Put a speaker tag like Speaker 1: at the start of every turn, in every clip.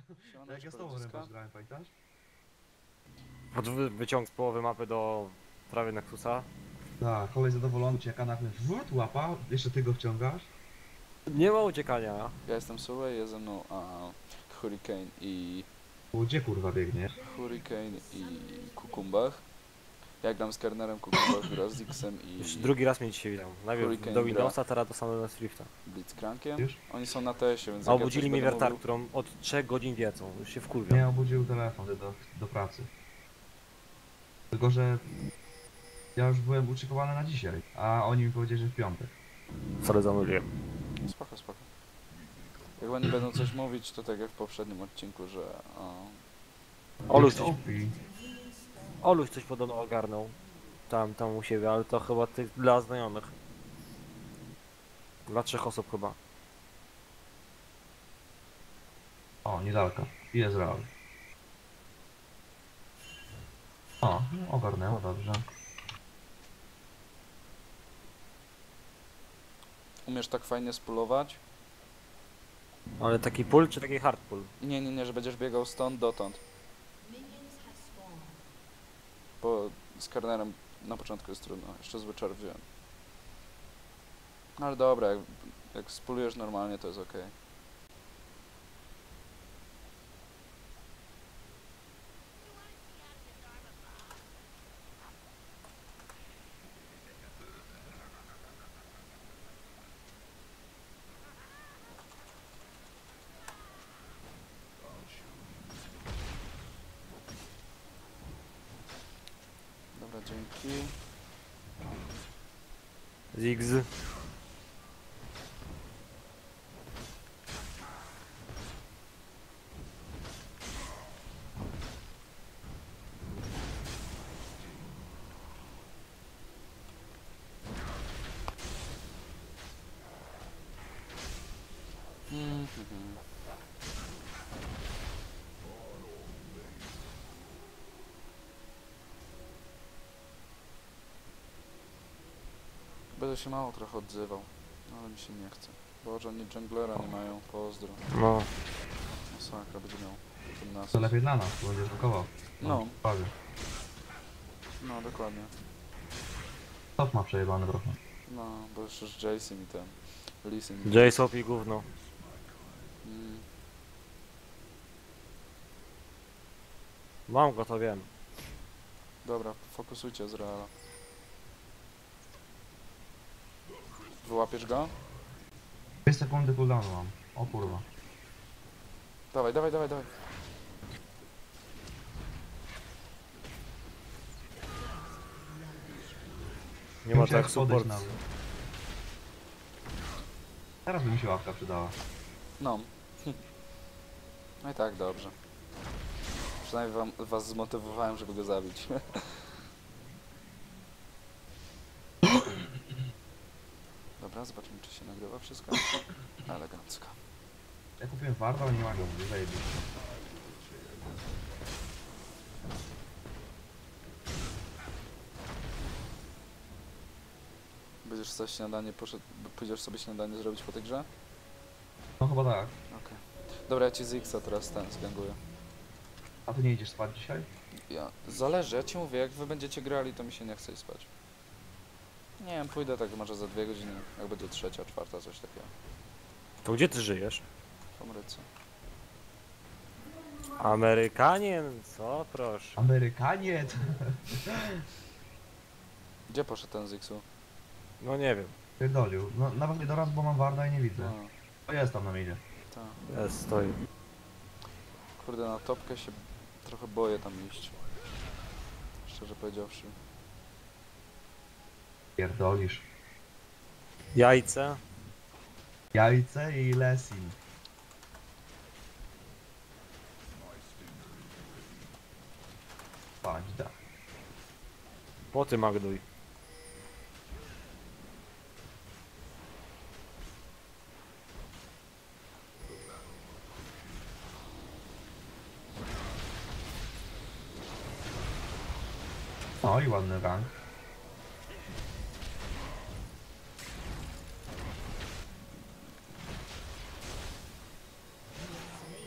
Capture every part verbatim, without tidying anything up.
Speaker 1: Jak ja z tobą Rempacz grałem, pamiętasz?
Speaker 2: Od wy wyciąg z połowy mapy do prawie Nexusa.
Speaker 1: Tak, kolej zadowolony, cię jaka nagle wrót łapa, jeszcze ty go wciągasz.
Speaker 2: Nie ma uciekania.
Speaker 3: Ja jestem Sue, jest ze mną a, Hurricane i...
Speaker 1: Bo gdzie kurwa biegniesz?
Speaker 3: Hurricane i Kukumbach. Ja gram z Kernerem, Kukumbach gra z Dixem i
Speaker 2: Już drugi raz mnie dzisiaj widział. Najpierw
Speaker 3: Hurricane
Speaker 2: do
Speaker 3: gra.
Speaker 2: Windowsa, teraz do samego Swifta.
Speaker 3: Blitzcrankiem.
Speaker 1: Już?
Speaker 3: Oni są na tesie, więc
Speaker 2: A
Speaker 3: jak ja
Speaker 2: obudzili
Speaker 3: coś
Speaker 2: mnie
Speaker 3: będę
Speaker 2: wiertar,
Speaker 3: mówił-
Speaker 2: którą od trzech godzin wiecą. Już się wkurwiam.
Speaker 1: Mnie obudził telefon do, do pracy. Tylko, że ja już byłem uczykowany na dzisiaj, a oni mi powiedzieli, że w piątek.
Speaker 2: Sorry, zamówiłem.
Speaker 3: Spoko, spoko. Jak oni będą coś mówić, to tak jak w poprzednim odcinku, że... O,
Speaker 2: Oluś
Speaker 1: Jak
Speaker 2: coś,
Speaker 1: Sophie.
Speaker 2: Oluś coś podobno ogarnął. Tam, tam u siebie, ale to chyba tych dla znajomych. Dla trzech osób chyba.
Speaker 1: O, niedaleko. I jest real. O, no, ogarnęło, dobrze.
Speaker 3: umiesz tak fajnie spulować?
Speaker 2: Ale taki pull czy taki hard pull?
Speaker 3: Nie, nie, nie, że będziesz biegał stąd dotąd. Bo z Kernerem na początku jest trudno, jeszcze zły czar wziąłem. No ale dobra, jak, jak spulujesz normalnie, to jest ok. Dobra, dzięki.
Speaker 2: Ziggs.
Speaker 3: Mhm. Będę się mało trochę odzywał, ale mi się nie chce. Boże, oni junglera nie mają, pozdro.
Speaker 2: No.
Speaker 3: Masakra będzie miał ten nas.
Speaker 1: To lepiej dla nas, bo będziesz blokował.
Speaker 3: No,
Speaker 1: Prawie.
Speaker 3: no dokładnie.
Speaker 1: Top ma przejebane trochę.
Speaker 3: No, bo jeszcze z Jace'em i ten Lisem.
Speaker 2: J-Sop i gówno.
Speaker 3: Mm,
Speaker 2: Mam go, to wiem.
Speaker 3: dobra, fokusujcie z Reala. Wyłapiesz go?
Speaker 1: dwie sekundy cooldownu mam. O kurwa.
Speaker 3: Dawaj, dawaj, dawaj, dawaj.
Speaker 2: Nie ma
Speaker 1: Musiałem
Speaker 2: tak
Speaker 1: podejść
Speaker 2: support.
Speaker 1: nawet. Teraz by mi się łapka przydała.
Speaker 3: No. No i tak, dobrze. Przynajmniej wam, was zmotywowałem, żeby go zabić. Dobra, zobaczymy, czy się nagrywa wszystko. Elegancko.
Speaker 1: Ja kupiłem warta, ale nie ma go, mówię, zajebiście.
Speaker 3: Będziesz coś śniadanie poszedł, pójdziesz sobie śniadanie zrobić po tej grze?
Speaker 1: No chyba tak.
Speaker 3: Okej. Dobra, ja ci z X-a teraz ten zganguję.
Speaker 1: A ty nie idziesz spać dzisiaj?
Speaker 3: Ja, zależy, ja ci mówię, jak wy będziecie grali, to mi się nie chce iść spać. Nie wiem, pójdę tak może za dwie godziny, jak będzie trzecia, czwarta, coś takiego.
Speaker 2: To gdzie ty żyjesz?
Speaker 3: W Ameryce.
Speaker 2: Amerykanien? Co? Proszę.
Speaker 1: Amerykaniec!
Speaker 3: Gdzie poszedł ten z X-u?
Speaker 2: No nie wiem.
Speaker 1: Pierdolił. No nawet nie doraz, bo mam warda i nie widzę.
Speaker 3: No,
Speaker 1: O, jest tam na midzie.
Speaker 3: tak.
Speaker 2: Jest, stoi.
Speaker 3: Kurde, na topkę się trochę boję tam iść. Szczerze powiedziawszy.
Speaker 1: Pierdolisz.
Speaker 2: Jajce.
Speaker 1: Jajce i Lesin. Paźda.
Speaker 2: Poty Magduj.
Speaker 1: O, i ładny rank.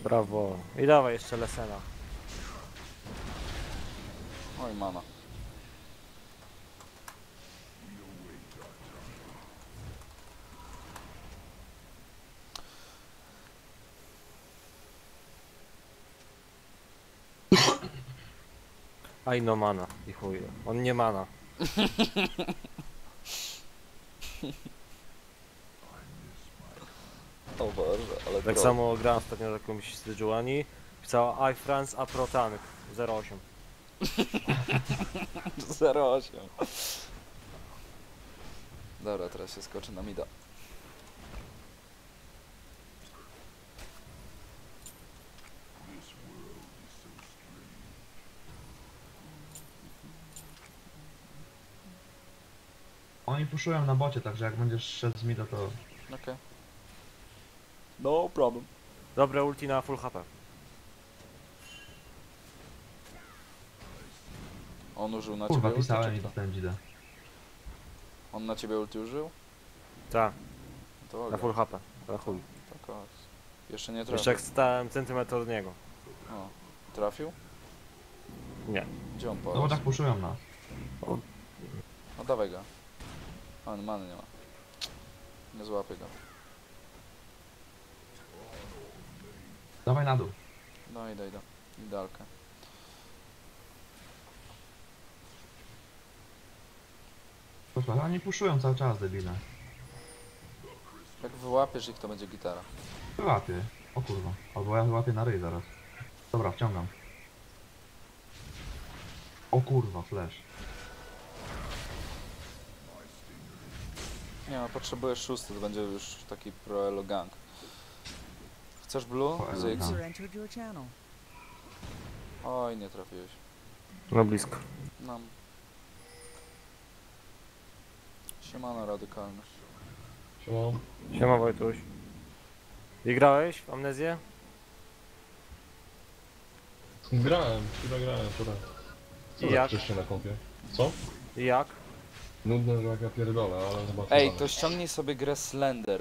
Speaker 2: Brawo. I dawaj jeszcze Lesena.
Speaker 3: Oj, mana.
Speaker 2: Aj no mana. I chuj. On nie mana.
Speaker 3: O Boże, ale
Speaker 2: Tak
Speaker 3: troll.
Speaker 2: samo grałem ostatnio z jakimś z Dżuani. Pisała I France a Pro Tank zero osiem.
Speaker 3: zero osiem. Dobra, teraz się skoczy na mida.
Speaker 1: Oni puszują na bocie, także jak będziesz szedł z mida, to...
Speaker 3: Okej. No problem.
Speaker 2: Dobre ulti na full H P.
Speaker 3: On użył na
Speaker 1: Kurwa,
Speaker 3: ciebie ulti,
Speaker 1: pisałem
Speaker 3: czy
Speaker 1: i
Speaker 3: kto?
Speaker 1: dostałem dzidę.
Speaker 3: On na ciebie ulti użył?
Speaker 2: Tak,
Speaker 3: To
Speaker 2: na
Speaker 3: ogra.
Speaker 2: full H P. Na chuj.
Speaker 3: Tak, o. Jeszcze nie
Speaker 2: Jeszcze
Speaker 3: trafił.
Speaker 2: jak stałem centymetr od niego.
Speaker 3: O. Trafił?
Speaker 2: Nie.
Speaker 3: Gdzie on
Speaker 1: No bo
Speaker 3: poszedł?
Speaker 1: tak puszują nas.
Speaker 3: No dawaj go. On many nie ma. Nie złapię go.
Speaker 1: Dawaj na dół.
Speaker 3: No idę, idę. Idealkę.
Speaker 1: Proszę, oni puszują cały czas, debile.
Speaker 3: Jak wyłapiesz ich, to będzie gitara.
Speaker 1: Wyłapię. O kurwa. Albo ja wyłapię na ryj zaraz. Dobra, wciągam. O kurwa, flash.
Speaker 3: Nie no, potrzebujesz szósty, to będzie już taki pro elo gang. Chcesz blue?
Speaker 1: Pro elo
Speaker 3: Z X?
Speaker 1: gang.
Speaker 4: User entered your channel.
Speaker 3: Oj, nie trafiłeś.
Speaker 2: No blisko.
Speaker 3: Nam. Siemano radykalny.
Speaker 5: Siema.
Speaker 2: Siema Wojtuś. I grałeś w Amnezję?
Speaker 5: Grałem, chwilę grałem wczoraj. Co
Speaker 2: I
Speaker 5: tak
Speaker 2: jak?
Speaker 5: wcześniej na kompie? Co?
Speaker 2: I jak?
Speaker 5: Nudne, że jak ja pierdolę, ale zobaczę.
Speaker 3: Ej,
Speaker 5: dalej.
Speaker 3: to ściągnij sobie grę Slender.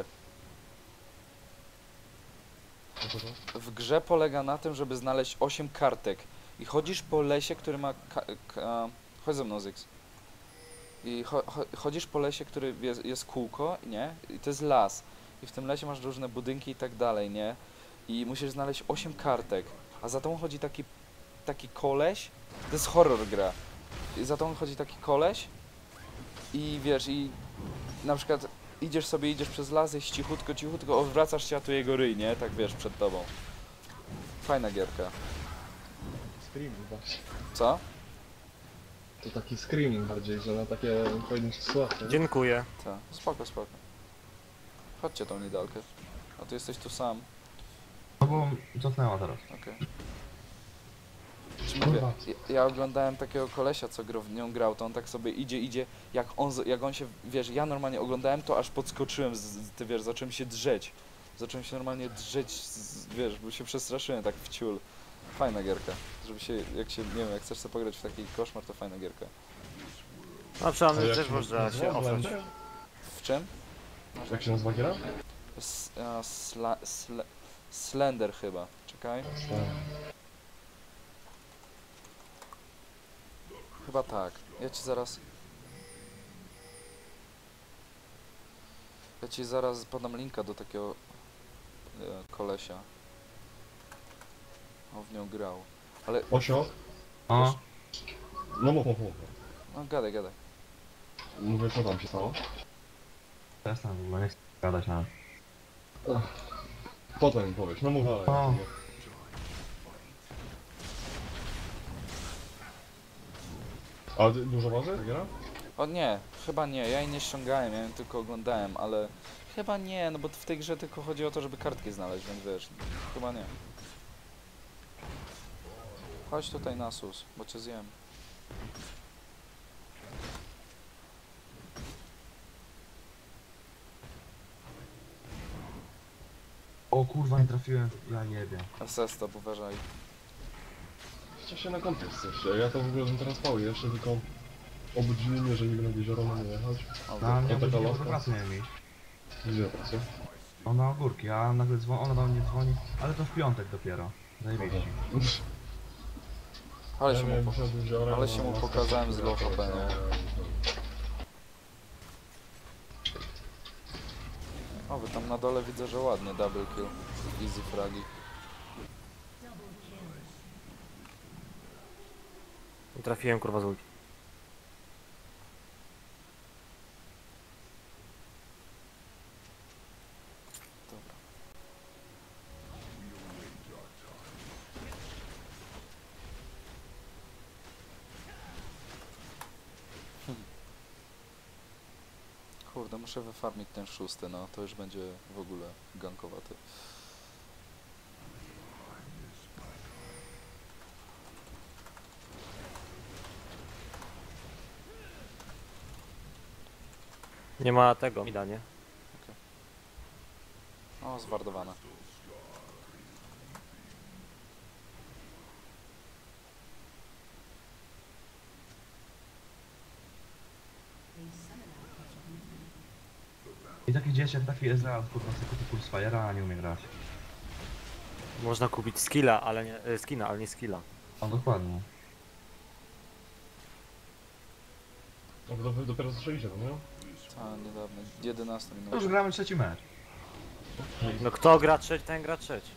Speaker 5: Co to to?
Speaker 3: W grze polega na tym, żeby znaleźć osiem kartek. I chodzisz po lesie, który ma... Ka ka chodź ze mną, Zyx. I cho cho chodzisz po lesie, który jest, jest kółko, nie? I to jest las. I w tym lesie masz różne budynki i tak dalej, nie? I musisz znaleźć osiem kartek. A za tą chodzi taki, taki koleś. To jest horror gra. I za tą chodzi taki koleś. I wiesz, i na przykład idziesz sobie, idziesz przez las, jest cichutko, cichutko, odwracasz się, a tu jego ryj, nie? Tak wiesz, przed tobą. Fajna gierka.
Speaker 5: Screaming właśnie.
Speaker 3: Co?
Speaker 5: To taki screaming bardziej, że na takie pojedyncze sławki.
Speaker 2: Dziękuję.
Speaker 3: Tak. Spoko, spoko. Chodźcie tą nidalkę. A ty jesteś tu sam.
Speaker 1: No bo cofnęła teraz.
Speaker 3: Okej. Czy mówię,
Speaker 5: Kurwa.
Speaker 3: ja, ja oglądałem takiego kolesia, co gro, w nią grał, to on tak sobie idzie, idzie, jak on, z- jak on się, wiesz, ja normalnie oglądałem to, aż podskoczyłem, z, z, ty wiesz, zacząłem się drzeć. Zacząłem się normalnie drzeć, z, wiesz, bo się przestraszyłem tak w ciul. Fajna gierka. Żeby się, jak się, nie wiem, jak chcesz sobie pograć w taki koszmar, to fajna gierka.
Speaker 2: No przynajmniej
Speaker 5: A jak
Speaker 2: też
Speaker 5: się
Speaker 2: można
Speaker 5: nazywa?
Speaker 2: się ofrać.
Speaker 5: Blender?
Speaker 3: W czym?
Speaker 5: Jak się nazywa giera?
Speaker 3: S, a, sla, sle, Slender chyba. Czekaj. Chyba tak. Ja ci zaraz... Ja ci zaraz podam linka do takiego e, kolesia. On w nią grał. Ale...
Speaker 5: Osio?
Speaker 1: O,
Speaker 5: No mów, mów, mów.
Speaker 3: No gadaj, gadaj.
Speaker 5: Mówię, co tam się stało?
Speaker 1: przestań w ogóle, nie chcę gadać nawet.
Speaker 5: Potem mi powiesz, no mów dalej.
Speaker 1: O.
Speaker 5: A ty dużo waży giera?
Speaker 3: O nie, chyba nie. Ja jej nie ściągałem, ja ją tylko oglądałem, ale... Chyba nie, no bo w tej grze tylko chodzi o to, żeby kartki znaleźć, więc wiesz, chyba nie. Chodź tutaj na sus, bo cię zjem.
Speaker 1: O kurwa, nie trafiłem, ja jebie.
Speaker 3: Asesta, uważaj.
Speaker 5: Jeszcze się na kompie jesteście. Ja to w ogóle bym teraz pał jeszcze, tylko obudzili mnie, że nie będę jezioro na nie jechać.
Speaker 3: O,
Speaker 1: No, ale
Speaker 5: to
Speaker 1: nie
Speaker 5: taka
Speaker 1: do
Speaker 5: laska.
Speaker 1: pracy miałem iść.
Speaker 5: Gdzie pracę?
Speaker 1: Ona ogórki, a nagle dzwoni, ona do mnie dzwoni, ale to w piątek dopiero. Zajebiście.
Speaker 3: Ale
Speaker 5: Ja
Speaker 3: się
Speaker 5: miałem
Speaker 3: mu, po...
Speaker 5: wsiadł wziorem,
Speaker 3: ale się mu
Speaker 5: no,
Speaker 3: pokazałem z low H P, nie? O, wy tam na dole widzę, że ładnie, double kill. Easy fragi.
Speaker 2: Nie trafiłem kurwa z ulti.
Speaker 3: Dobra. Hmm. Kurde, muszę wyfarmić ten szósty, no to już będzie w ogóle gankowaty.
Speaker 2: Nie ma tego, mida, nie?
Speaker 3: O, zwardowane.
Speaker 1: I taki dzieciak, taki Ezreal, kurwa, sobie kupi Pulse Fire'a, a nie umie grać.
Speaker 2: Można kupić skilla, ale nie, e, skina, ale nie skilla.
Speaker 1: No dokładnie.
Speaker 5: No, bo wy dopiero zaczęliście, no nie?
Speaker 3: A, niedawno. jedenaście
Speaker 1: To
Speaker 3: minut.
Speaker 1: już gramy trzeci mecz.
Speaker 2: No kto gra trzeci, ten gra trzeci.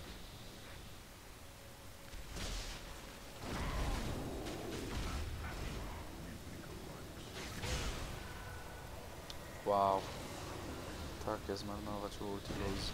Speaker 3: Wow. Takie zmarnować ulti lose.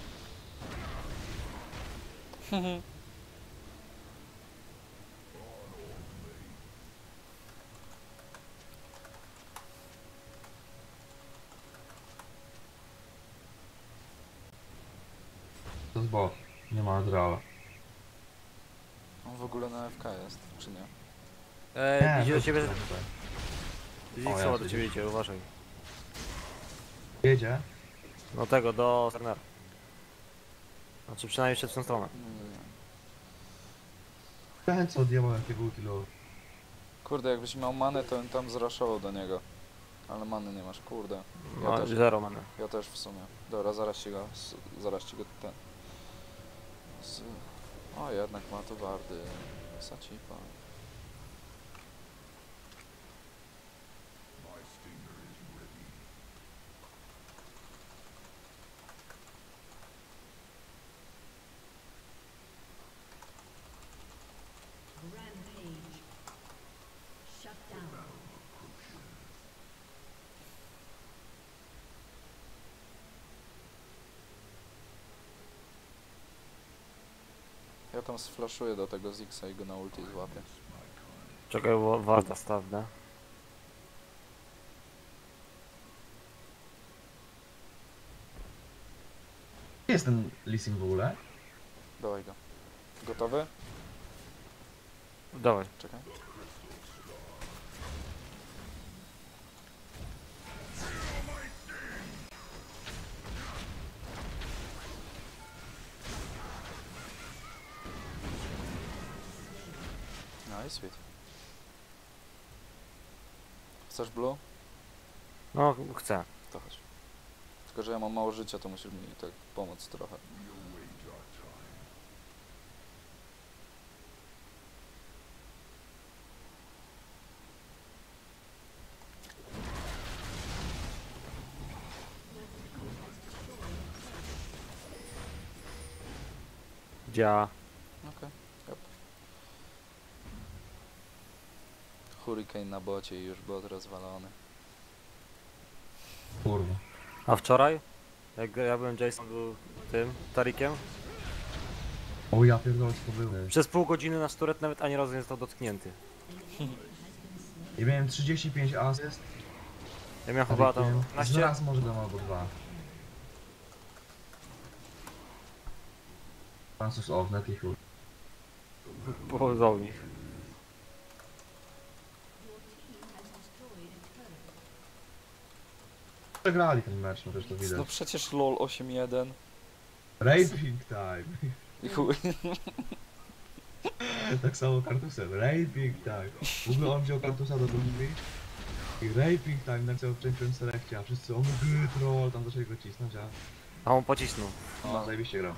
Speaker 1: To jest bot. Nie ma Ezreala.
Speaker 3: On w ogóle na F K jest, czy nie?
Speaker 2: Eee, idzie do
Speaker 1: to
Speaker 2: ciebie,
Speaker 1: jest tutaj.
Speaker 2: Ziggs
Speaker 1: ja
Speaker 2: do
Speaker 1: sobie
Speaker 2: ciebie idzie, uważaj.
Speaker 1: Jedzie.
Speaker 2: No tego, do Sternera. Znaczy przynajmniej przed tą stronę.
Speaker 3: Nie, nie.
Speaker 1: Ten co odjebał jakiego ultilu.
Speaker 3: Kurde, jakbyś miał manę, to bym tam zraszował do niego. Ale many nie masz, kurde. Ja
Speaker 2: No,
Speaker 3: też,
Speaker 2: zero mamy.
Speaker 3: ja też w sumie. Dobra, zaraz ci go, s- zaraz ci go ten... Z... O, jednak ma to wardy. Sacipa.
Speaker 4: Rampage. Shut down.
Speaker 3: Ja tam sflaszuję do tego Zixa i go na ulti złapię.
Speaker 2: Czekaj, bo warta stawne.
Speaker 1: Gdzie jest ten Lising w ogóle?
Speaker 3: Dawaj go. Gotowy?
Speaker 2: Dawaj.
Speaker 3: Czekaj. No i sweet. Chcesz blue?
Speaker 2: No, chcę.
Speaker 3: To chodź. Tylko, że ja mam mało życia, to musisz mi tak pomóc trochę.
Speaker 2: Działa.
Speaker 3: Okej, yep. Hurricane na bocie i już bot rozwalony.
Speaker 1: Kurwa.
Speaker 2: A wczoraj? Jak ja byłem, Jason był tym, Tarikiem.
Speaker 1: O ja pierdolę, co to było.
Speaker 2: Przez pół godziny nasz turet nawet ani razu nie został dotknięty.
Speaker 1: I miałem trzydzieści pięć asyst.
Speaker 2: Ja miałem chyba tam
Speaker 1: Tarikiem.
Speaker 2: piętnaście.
Speaker 1: Raz może dam albo dwa. Francis Ovnet i chuj.
Speaker 2: Pochodzą nich.
Speaker 1: Przegrali ten mecz, no też to widać.
Speaker 3: No przecież lol osiem jeden.
Speaker 1: Raping time.
Speaker 3: I chuj.
Speaker 1: Tak samo Kartusem. Raping time. W ogóle on wziął Kartusa do drugiej i raping time napisał w Champions Selectie, a wszyscy o my troll, tam zaczęli go cisnąć, a
Speaker 2: A on pocisnął.
Speaker 1: No,
Speaker 3: No.
Speaker 1: zajebiście grał.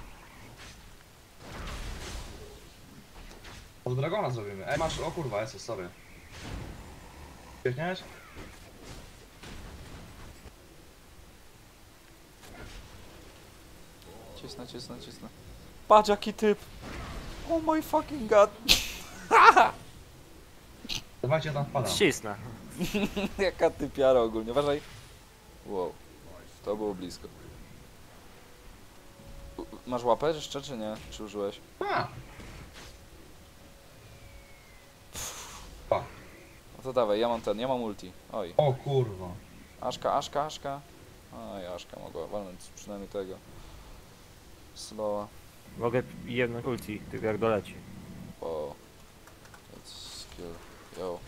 Speaker 1: Od Dragona zrobimy. Ej, masz, o kurwa, jest, sorry. Biegniesz?
Speaker 3: Cisnę, cisnę, cisnę. Patrz jaki typ! Oh my fucking god!
Speaker 1: Dawajcie, ja tam wpadam.
Speaker 2: Ścisnę.
Speaker 3: Jaka typiara ogólnie, uważaj. Wow, to było blisko. U- Masz łapę jeszcze, czy nie? Czy użyłeś?
Speaker 1: A!
Speaker 3: No to dawaj, ja mam ten, ja mam ulti. Oj,
Speaker 1: O kurwa.
Speaker 3: Aszka, Aszka, Aszka. Oj, Aszka mogła walnąć przynajmniej tego. Slowa.
Speaker 2: Mogę jedną ulti, tylko jak doleci.
Speaker 3: Wow. That's skill. Yo.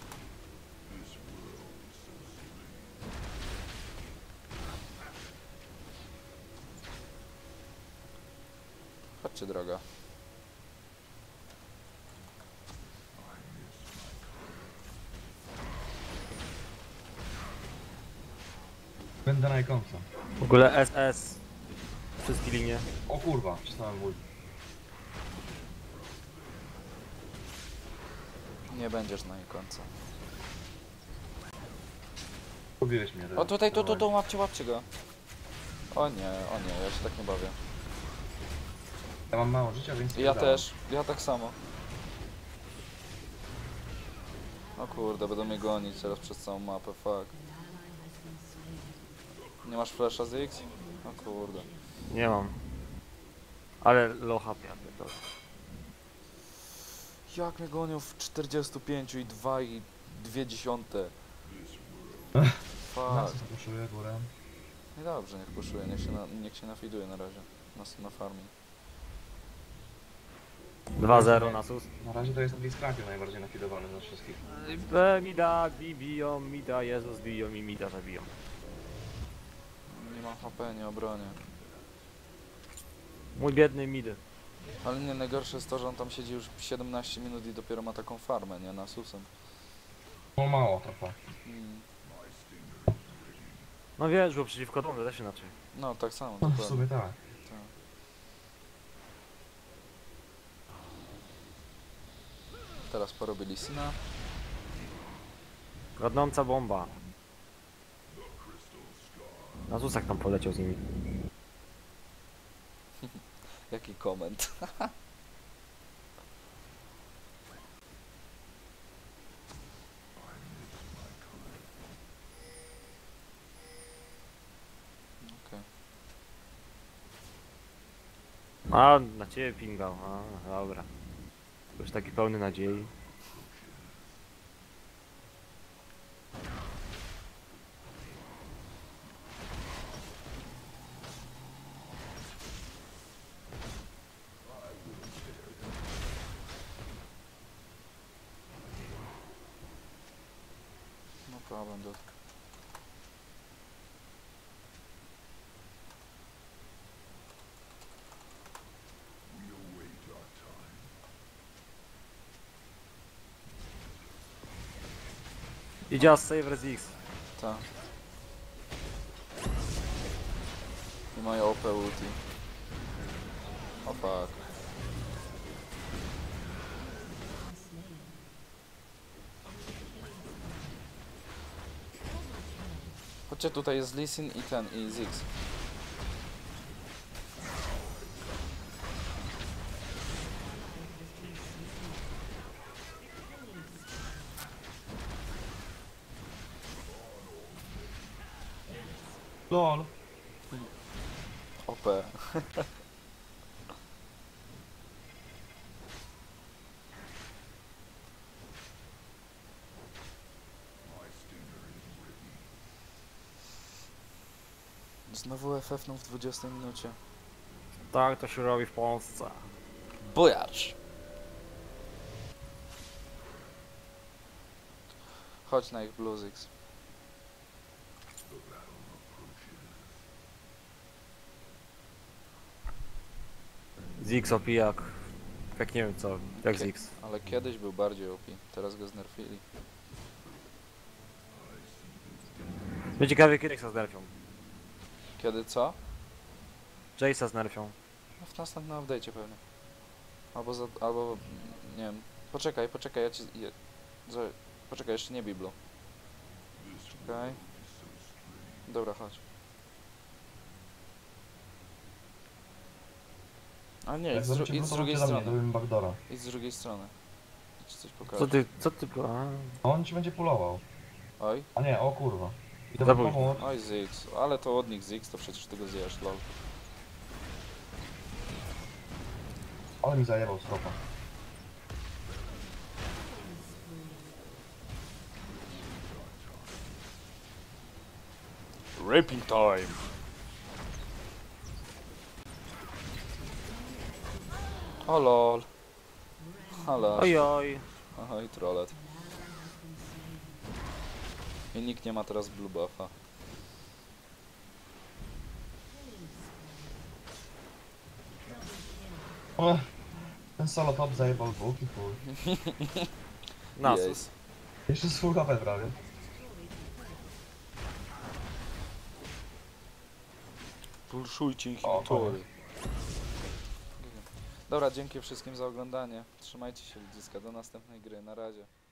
Speaker 3: Chodźcie droga.
Speaker 1: Będę na ikonce.
Speaker 2: W ogóle S S. Wszystkie linie.
Speaker 1: O kurwa, przestałem mój.
Speaker 3: Nie będziesz na ikonce.
Speaker 1: Pobiłeś mnie.
Speaker 3: O tutaj, tu, tu, tu, łapcie, łapcie go. O nie, o nie, ja się tak nie bawię.
Speaker 1: Ja mam mało życia, więc...
Speaker 3: Ja
Speaker 1: nie
Speaker 3: też, ja tak samo. O kurde, będą mnie gonić teraz przez całą mapę, fuck. Nie masz flasha z X? O kurde.
Speaker 2: Nie mam. Ale low H P, ja pierdolę.
Speaker 3: Jak mnie gonią w czterdziestu pięciu i dwa i dwie dziesiąte.
Speaker 1: dałem.
Speaker 3: Fuck.
Speaker 1: Nas spuszuję górę.
Speaker 3: No dobrze, niech puszuje, niech się, na, niech się nafiduje na razie. Na, na farmie.
Speaker 2: dwa zero na sus.
Speaker 1: Na razie to jest Blitzcrankiem najbardziej nafidowany ze wszystkich.
Speaker 2: B, mida, bi, biją, mida, Jezus, biją i mida zabiją.
Speaker 3: Nie mam H P, nie obronię.
Speaker 2: Mój biedny midy.
Speaker 3: Ale nie, najgorsze jest to, że on tam siedzi już siedemnaście minut i dopiero ma taką farmę, nie? Na susem.
Speaker 1: No mało trochę.
Speaker 3: Mm.
Speaker 2: No wiesz, bo przeciwko domu też inaczej.
Speaker 3: No, tak samo,
Speaker 1: No, w
Speaker 3: dokładnie.
Speaker 1: sumie tak.
Speaker 3: Tak. Teraz porobili syna.
Speaker 2: Godnąca bomba. Na susach tam poleciał z nimi.
Speaker 3: Jaki koment. Okej.
Speaker 2: A, na ciebie pingał. A, dobra. Już taki pełny nadziei.
Speaker 3: No problem, dude.
Speaker 2: Idzie save res X.
Speaker 3: Ta. I moje O P ulti. O fuck. Chodźcie, tutaj jest Lee Sin i ten, i Ziggs.
Speaker 1: LOL.
Speaker 3: O P. Znowu F F no w dwudziestej minucie.
Speaker 2: Tak to się robi w Polsce.
Speaker 3: Bujarz! Chodź na ich Blue Ziggs.
Speaker 2: Ziggs O P jak... Jak nie wiem co, jak
Speaker 3: Kie-
Speaker 2: Ziggs.
Speaker 3: Ale kiedyś był bardziej O P, teraz go znerfili.
Speaker 2: Będzie ciekawie kiedy się zderfią.
Speaker 3: Kiedy co?
Speaker 2: Jace'a z nerfią.
Speaker 3: No w następnym update'cie pewnie. Albo za, albo, nie wiem. Poczekaj, poczekaj, ja ci... Je, za, poczekaj, jeszcze nie Biblu. Czekaj. Dobra, chodź. A nie,
Speaker 1: Jak
Speaker 3: idź z, dru
Speaker 1: zrobicie
Speaker 3: idź z
Speaker 1: brudną,
Speaker 3: drugiej
Speaker 1: to do mnie,
Speaker 3: strony.
Speaker 1: zrobimy backdoora.
Speaker 3: Idź z drugiej strony. Ja ci coś
Speaker 2: Co
Speaker 3: pokażę.
Speaker 2: ty, co ty... A,
Speaker 1: On ci będzie pulował.
Speaker 3: Oj,
Speaker 1: A nie, o kurwa. I
Speaker 2: Za
Speaker 1: to
Speaker 2: późno.
Speaker 1: pomóc.
Speaker 3: oj Ziggs. Ale to od nich Ziggs, to przecież ty go zjesz, lol.
Speaker 1: Ale mi zajebał stropa.
Speaker 3: Raping time! O lol. Halo.
Speaker 2: oj, oj.
Speaker 3: Oj, trollet. I nikt nie ma teraz blue buffa.
Speaker 1: Ech, ten solo top zajebał dwóch i chuj.
Speaker 2: Nasus.
Speaker 3: Jest.
Speaker 1: Jeszcze z full H P prawie.
Speaker 3: Pulszujcie ich
Speaker 1: O,
Speaker 3: inhibitory. Dobra, dzięki wszystkim za oglądanie. Trzymajcie się ludziska, do następnej gry, na razie.